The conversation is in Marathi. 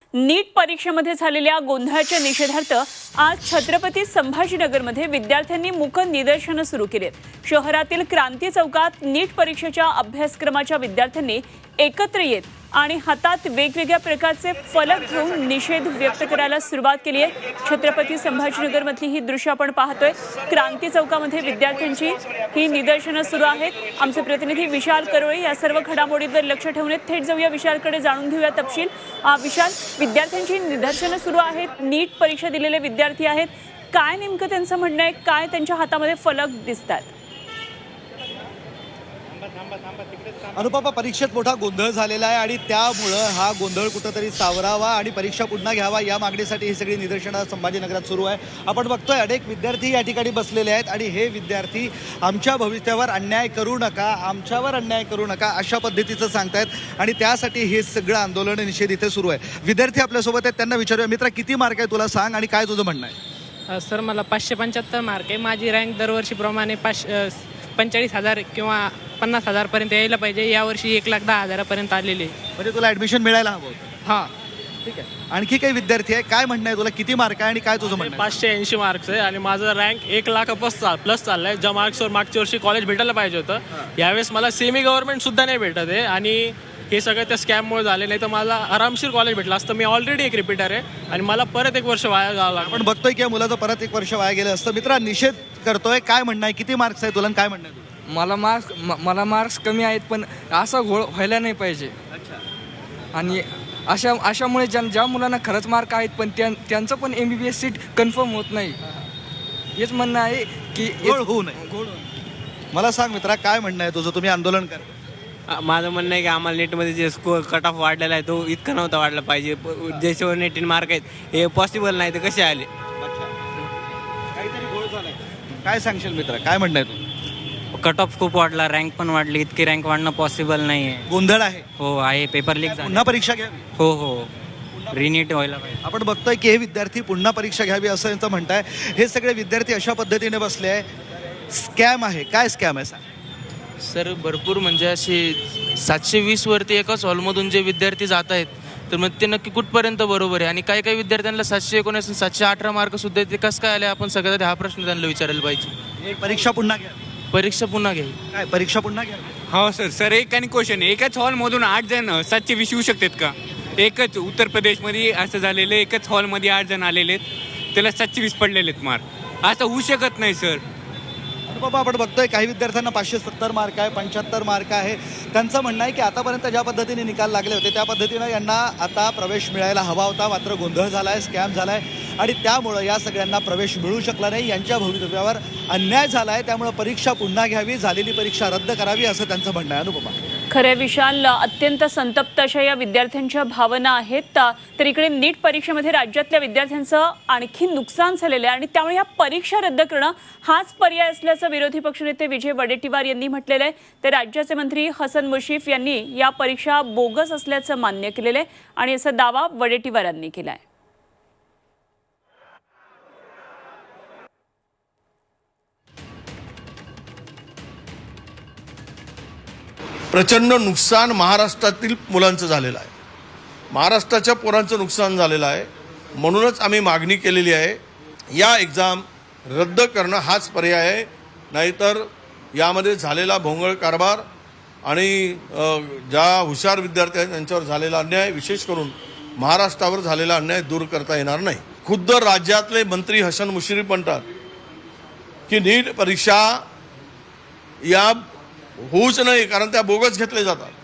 नीट परीक्षेमध्ये झालेल्या गोंधळाच्या निषेधार्थ आज छत्रपती संभाजीनगरमध्ये विद्यार्थ्यांनी मूक निदर्शनं सुरू केलीत। शहरातील क्रांती चौकात नीट परीक्षेच्या अभ्यासक्रमाच्या विद्यार्थ्यांनी एकत्र येत आणि हातात वेगवेगळ्या प्रकारचे फलक घेऊन निषेध व्यक्त करायला सुरुवात केली आहे। छत्रपती संभाजीनगरमधली ही दृश्य आपण पाहतोय। क्रांती चौकामध्ये विद्यार्थ्यांची ही निदर्शनं सुरू आहेत। आमचे प्रतिनिधी विशाल करोळे या सर्व घडामोडींवर लक्ष ठेवून थेट जाऊया विशालकडे, जाणून घेऊया तपशील। विशाल, विद्यार्थ्यांची निदर्शनं सुरू आहेत, नीट परीक्षा दिलेले विद्यार्थी आहेत, काय नेमकं त्यांचं म्हणणं आहे, काय त्यांच्या हातामध्ये फलक दिसतात? अनुपमा, परीक्षेत मोठा गोंधळ झालेला आहे आणि त्यामुळं हा गोंधळ कुठंतरी सावरावा आणि परीक्षा पुन्हा घ्यावा या मागणीसाठी ही सगळी निदर्शनं संभाजीनगरात सुरू आहे। आपण बघतोय अनेक विद्यार्थी या ठिकाणी बसलेले आहेत आणि हे विद्यार्थी आमच्या भविष्यावर अन्याय करू नका, आमच्यावर अन्याय करू नका अशा पद्धतीचं सांगतायत आणि त्यासाठी हे सगळं आंदोलन निषेध इथे सुरू आहे। विद्यार्थी आपल्यासोबत आहेत, त्यांना विचारूया, मित्रा किती मार्क आहे तुला सांग आणि काय तुझं म्हणणं आहे? सर, मला 575 मार्क आहे। माझी रँक दरवर्षीप्रमाणे 45,000 किंवा 50,000 पर्यंत यायला पाहिजे। यावर्षी 1,10,000 पर्यंत आलेली आहे। म्हणजे तुला ॲडमिशन मिळायला हवं? हां, ठीक आहे। आणखी काही विद्यार्थी आहे, काय म्हणणं आहे तुला, किती मार्क आहे आणि काय तुझं म्हणणं आहे? 580 मार्क्स आहे आणि माझं रँक 1,00,000 प्लस चाललाय। ज्या मार्क्सवर मागच्या वर्षी कॉलेज भेटायला पाहिजे होतं, यावेळेस मला सेमी गव्हर्नमेंट सुद्धा नाही भेटत आहे आणि हे सगळं त्या स्कॅममुळे झाले, नाही तर मला आरामशीर कॉलेज भेटलं असतं। मी ऑलरेडी एक रिपीटर आहे आणि मला परत 1 वर्ष वाया जावं लागलं। आपण बघतोय की या मुलाचं परत 1 वर्ष वाया गेलं असतं। मित्रा, निषेध करतोय, काय म्हणणं आहे, किती मार्क्स आहे तुला आणि काय म्हणणं आहे तुझं? मला मार्क्स कमी आहेत, पण असा घोळ व्हायला नाही पाहिजे। आणि अशामुळे ज्या मुलांना खरंच मार्क आहेत पण त्यांचं पण MBBS सीट कन्फर्म होत नाही। हेच म्हणणं आहे की घोळ होऊ नये। मला सांग मित्रा, काय म्हणणं आहे तुझं, तुम्ही आंदोलन कर? माझं म्हणणं आहे की आम्हाला नेटमध्ये जे स्कोअर कट ऑफ वाढलेला आहे तो इतका नव्हता वाढला पाहिजे। जे 718 मार्क आहेत हे पॉसिबल नाही, तर कसे आले? काहीतरी घोळ झालाय, काय सांगशील मित्रा, काय म्हणणं आहे तुझं? कट ऑफ खूप वाढला, रँक पण वाढली, इतकी रँक वाढणं पॉसिबल नाही आहे। गोंधळ आहे? हो आहे, पेपर लीक झाले। पुन्हा परीक्षा घ्यावी? हो, रिनीट व्हायला पाहिजे। आपण बघतोय की हे विद्यार्थी पुन्हा परीक्षा घ्यावी असं यांचं म्हणताय। हे सगळे विद्यार्थी अशा पद्धतीने बसले आहे, स्कॅम आहे। काय स्कॅम आहे सांग? सर, भरपूर म्हणजे असे 720 वरती एकाच हॉलमधून जे विद्यार्थी जात आहेत, तर मग ते नक्की कुठपर्यंत बरोबर आहे? आणि काही विद्यार्थ्यांना 719 718 मार्क सुद्धा ते कसं काय आले? आपण सगळ्यात हा प्रश्न त्यांना विचारायला पाहिजे। परीक्षा पुन्हा घ्यावी? परीक्षा पुन्हा घ्यावी? काय परीक्षा पुन्हा घ्यावी? हो सर, एक आणि क्वेश्चन, एकाच हॉलमधून 8 जण 720 येऊ शकतात का? एकच उत्तर प्रदेशमध्ये असं झालेलं, एकच हॉलमध्ये 8 जण आलेले आहेत, त्याला 720 पडलेले आहेत मार्क। असं होऊ शकत नाही सर। बाबा, आपण बघतोय काही विद्यार्थ्यांना 570 मार्क आहे, 75 मार्क आहे। त्यांचं म्हणणं आहे की आतापर्यंत ज्या पद्धतीने निकाल लागले होते त्या पद्धतीनं यांना आता प्रवेश मिळायला हवा होता, मात्र गोंधळ झाला आहे, स्कॅम झाला आहे आणि त्यामुळं या सगळ्यांना प्रवेश मिळू शकला नाही। यांच्या भवितव्यावर अन्याय झाला आहे, त्यामुळं परीक्षा पुन्हा घ्यावी, झालेली परीक्षा रद्द करावी असं त्यांचं म्हणणं आहे। अनुपमा, खरे विशाल, अत्यंत संतप्त अशा या विद्यार्थ्यांच्या भावना आहेत। तर इकडे नीट परीक्षेमध्ये राज्यातल्या विद्यार्थ्यांचं आणखी नुकसान झालेलं आहे आणि त्यामुळे या परीक्षा रद्द करणं हाच पर्याय असल्याचं विरोधी पक्षनेते विजय वडेट्टीवार यांनी म्हटलेलं आहे। तर राज्याचे मंत्री हसन मुश्रीफ यांनी या परीक्षा बोगस असल्याचं मान्य केलेलं आहे आणि असा दावा वडेट्टीवारांनी केला आहे। प्रचंड नुकसान महाराष्ट्रातील मुलांचं झालेलं आहे, महाराष्ट्राच्या पोरांचं नुकसान झालेलं आहे। म्हणूनच आम्ही मागणी केलेली आहे, या एक्झाम रद्द करणं हाच पर्याय आहे। नाहीतर यामध्ये झालेला भोंगळ कारभार आणि ज्या हुशार विद्यार्थी आहेत त्यांच्यावर झालेला अन्याय, विशेष करून महाराष्ट्रावर झालेला अन्याय दूर करता येणार नाही। खुद्द राज्यातले मंत्री हसन मुश्रीफ म्हणतात की नीट परीक्षा या होऊच नाही, कारण त्या बोगस घेतले जातात।